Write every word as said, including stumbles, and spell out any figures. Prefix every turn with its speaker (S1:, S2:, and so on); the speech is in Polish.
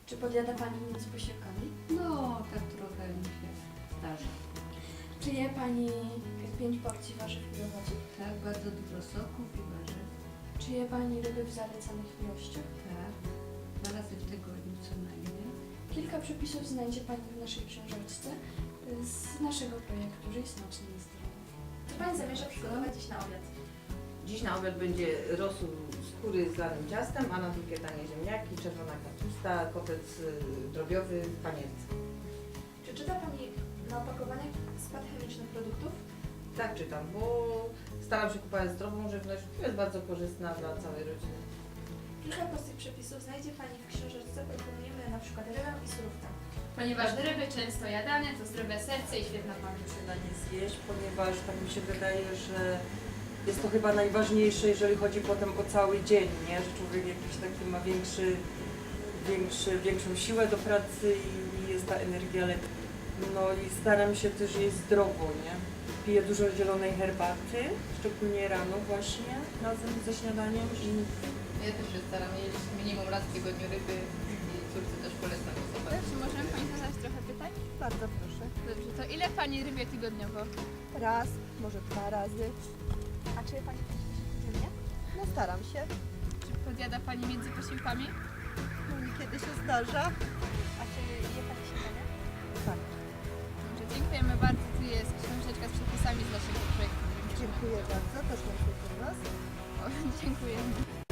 S1: Czy podjada Pani między posiłkami?
S2: No, tak trochę mi się zdarza.
S1: Czy je Pani pięć porcji warzyw i owoców?
S2: Tak, bardzo dużo soków i warzyw.
S1: Czy je Pani ryby w zalecanych ilościach?
S2: Tak, dwa razy w tygodniu co najmniej.
S1: Kilka przepisów znajdzie Pani w naszej książeczce z naszego projektu Żyj smacznie i zdrowo. Co Pani zamierza przygotować dziś na obiad?
S3: Dziś na obiad będzie rosół skóry z lanym ciastem, a na drugie danie ziemniaki, czerwona kapusta, kotlet y, drobiowy w panierce.
S1: Czy czyta Pani na opakowaniach skład chemiczny produktów?
S3: Tak czytam, bo staram się kupować zdrową żywność, która jest bardzo korzystna dla całej rodziny.
S1: Kilka prostych przepisów znajdzie Pani w książeczce. Proponujemy na przykład rybę i surówkę.
S4: Ponieważ ryby często jadane, to zdrowe serce i świetna pamięć.
S5: danie zjeść, ponieważ tak mi się wydaje, że jest to chyba najważniejsze, jeżeli chodzi potem o cały dzień, nie? Że człowiek jakiś taki ma większy, większy, większą siłę do pracy i, i jest ta energia lepsza. No i staram się też jeść zdrowo, nie? Piję dużo zielonej herbaty, szczególnie rano właśnie, razem ze śniadaniem i
S6: Ja też się staram jeść minimum raz w tygodniu ryby i córce też polecam osobę.
S4: Czy możemy Pani zadać trochę pytań?
S7: Bardzo proszę.
S4: Dobrze, to ile Pani rybie tygodniowo?
S7: Raz, może dwa razy.
S1: A czy je Pani pięć posiłków dziennie?
S7: No staram się.
S4: Czy podjada Pani między posiłkami?
S7: No niekiedy się zdarza.
S1: A czy je Pani śniadanie?
S7: Tak.
S4: Dobrze, dziękujemy bardzo. Tu jest książeczka z przepisami z naszego projektu.
S7: Dziękuję bardzo. Też mam się do Was.
S4: O, dziękujemy.